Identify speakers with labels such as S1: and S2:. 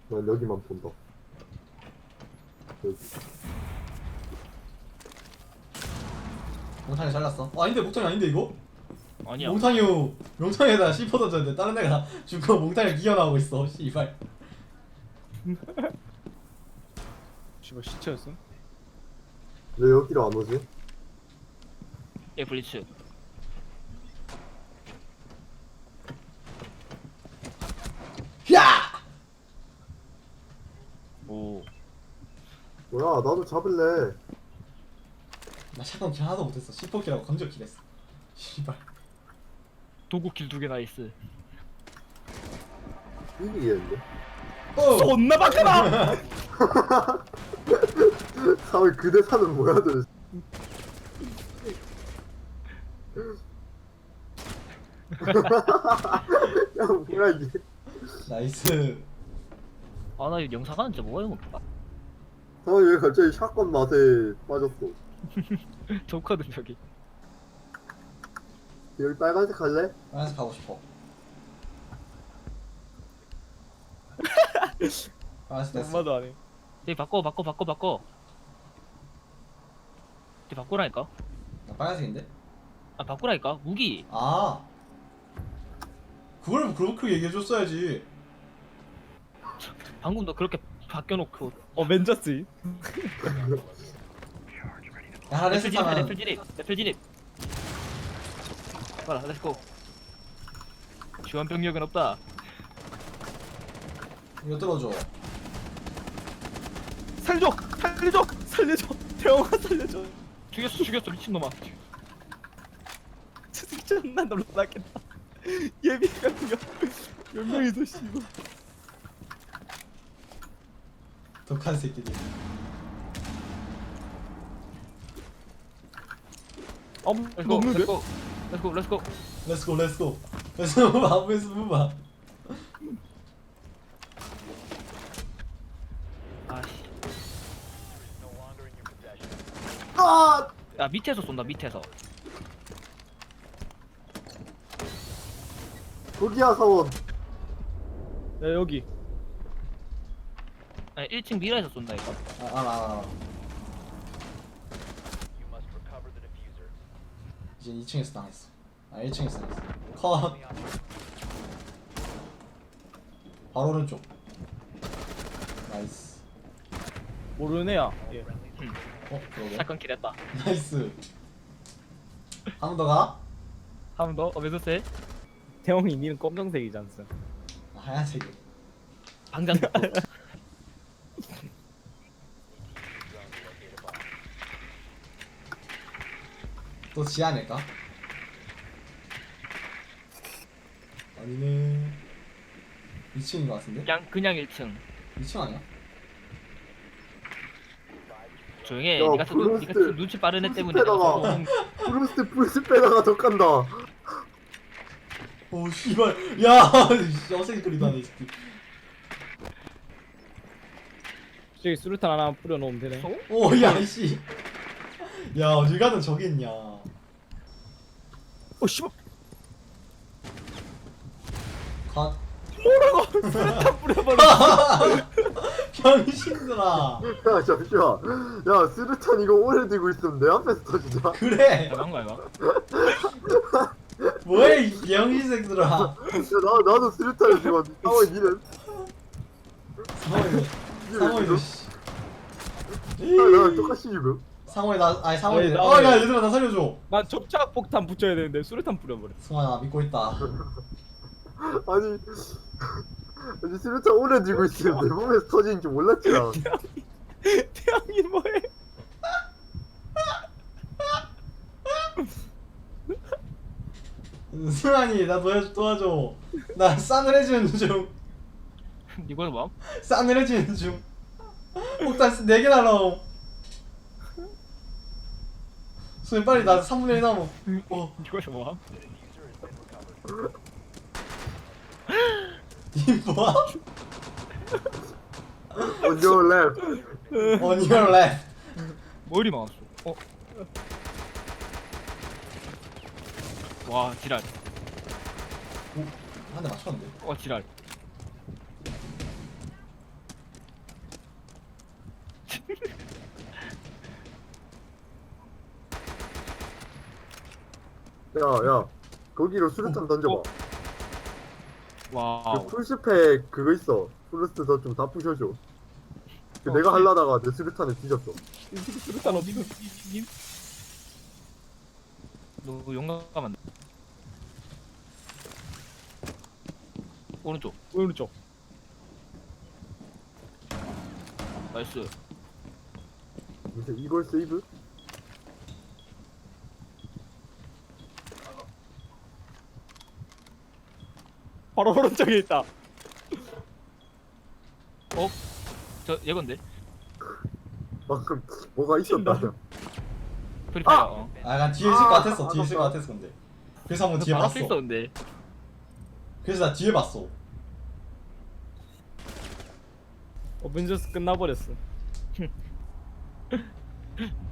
S1: 난 여기만 본다. 여기.
S2: 몽탄이 잘랐어. 아닌데 몽탄이 아닌데 이거?
S3: 아니야.
S2: 몽탄이에다 C4 던졌는데 다른 애가 죽고 몽탄이를 기어나오고 있어. 씨발.
S4: 씨발 시체였음?
S1: 왜 여기로 안 오지?
S3: 예, 블리츠.
S2: 야!
S3: 오.
S1: 뭐야, 나도 잡을래.
S2: 나 샷건 킬 하나도 못했어. C4 킬하고 건져 킬했어. 씨발.
S3: 도구킬 2개 나이스.
S1: 이기겠는데?
S2: 어!
S4: 존나 박하다!
S1: 사회 그대 사는 뭐야, 들. 야, 뭐야, 이게.
S2: 나이스.
S3: 아, 나 이거 영상 하는 진짜 뭐가 이거.
S1: 사회 왜 갑자기 샷건 맛에 빠졌어?
S3: 좋거든, 저기.
S1: 여기 빨간색 할래?
S2: 빨간색 가고 싶어. 빨간색 됐어.
S4: 엄마도 안 해.
S3: 저기 바꿔. 저기 바꾸라니까?
S2: 나 빨간색인데?
S3: 아, 바꾸라니까? 무기.
S2: 아. 그걸 그렇게 얘기해줬어야지.
S3: 방금 너 그렇게 바뀌어놓고.
S4: 맨저스.
S2: 야,
S3: 레플 진입,
S2: 레스타는
S3: 레플 진입. 봐라, 렛츠고. 주한 병력은 없다.
S2: 이거 들어줘.
S4: 살려줘! 대형아 살려줘!
S3: 죽였어, 미친놈아.
S4: 저 새끼 존나 놀라겠다. 예비가 몇 명이서 씨발.
S2: 독한 새끼들.
S4: 없는데?
S3: 렛츠고.
S2: 렛츠고 렛츠고. 렛츠고 무바 무바.
S3: 아씨.
S1: 아!
S3: 야, 밑에서 쏜다, 밑에서.
S1: 거기야, 사원.
S4: 야 여기.
S3: 아니, 1층 미라에서 쏜다, 이거.
S2: 알아. 이제 2층에서 당했어. 1층에서 당했어. 컷. 바로 오른쪽. 나이스.
S4: 모르는 애야. 예.
S2: 그러게.
S3: 사건 킬했다.
S2: 나이스. 한 번 더 가?
S3: 한 번 더? 왜 그랬어?
S4: 태형이 니는 검정색이지 않습?
S2: 하얀색이.
S3: 방장 듣고.
S2: 또 지하낼까? 아니네. 2층인 것 같은데?
S3: 그냥 1층.
S2: 2층 아니야?
S3: 조용히 해.
S1: 야,
S3: 니가
S1: 브루스트.
S3: 눈치 빠른 애 때문에 내가
S1: 브루스트에다가.
S3: 좀
S1: 브루스 빼다가 더 깐다.
S2: 오 씨발. 야, 어색이 소리도 안해 이 새끼.
S4: 저기 수류탄 하나 뿌려놓으면 되네.
S2: 오, 야 이씨. 야, 어딜 가든 저기 있냐.
S4: 씨발.
S2: 컷.
S4: 수류탄 뿌려버려.
S2: 병신들아.
S1: 야, 잠시만. 야, 스루탄 이거 오래 들고 있으면 내 앞에서 터지자.
S2: 그래.
S3: 대단한 거야 이거.
S2: 뭐해 이 병신새들아.
S1: 야, 나도 스루탄을 지금 사원 니는?
S2: 상호이도 씨.
S1: 나랑 똑같이 지금.
S2: 상호이 나 아니 상호이.
S4: 나
S2: 야 얘들아 나 살려줘.
S4: 난 접착 폭탄 붙여야 되는데 수류탄 뿌려버려.
S2: 승환아 나 믿고 있다.
S1: 아니 스루탄 오래 들고 있으면 내 몸에서 터지는 줄 몰랐지 나.
S4: 태형이 뭐해?
S2: 승환이 나 도와줘. 나 싸늘해지는 중.
S3: 이거는 뭐?
S2: 싸늘해지는 중. 폭탄 4개 날라옴. 수현 빨리 나 3분의 1 남어.
S3: 이거는 뭐?
S2: 니 뭐야?
S1: On your left.
S2: On your left.
S3: 머리 막았어. 와, 지랄.
S2: 한 대 맞췄는데.
S3: 지랄.
S1: 야, 거기로 수류탄 던져봐.
S4: 와우.
S1: 그 풀스펙 그거 있어. 플러스 좀 다 부셔줘. 그 내가 하려다가 내 수류탄에 뒤졌어.
S4: 수류탄 어디 있어?
S3: 님? 너 용감한데. 오른쪽.
S4: 오른쪽.
S3: 나이스.
S1: 무슨 이걸 세이브?
S4: 바로 오른쪽에 있다.
S3: 저 얘건데.
S1: 방금 뭐가 있었다.
S3: 프리파이어.
S1: 아!
S3: 어.
S2: 아 약간 뒤에 있을 것 같았어. 뒤에 있을 것 같았어 근데. 그래서 한번 뒤에
S3: 바로
S2: 봤어.
S3: 앞에 있었는데.
S2: 그래서 나 뒤에 봤어.
S4: 어벤져스 끝나버렸어.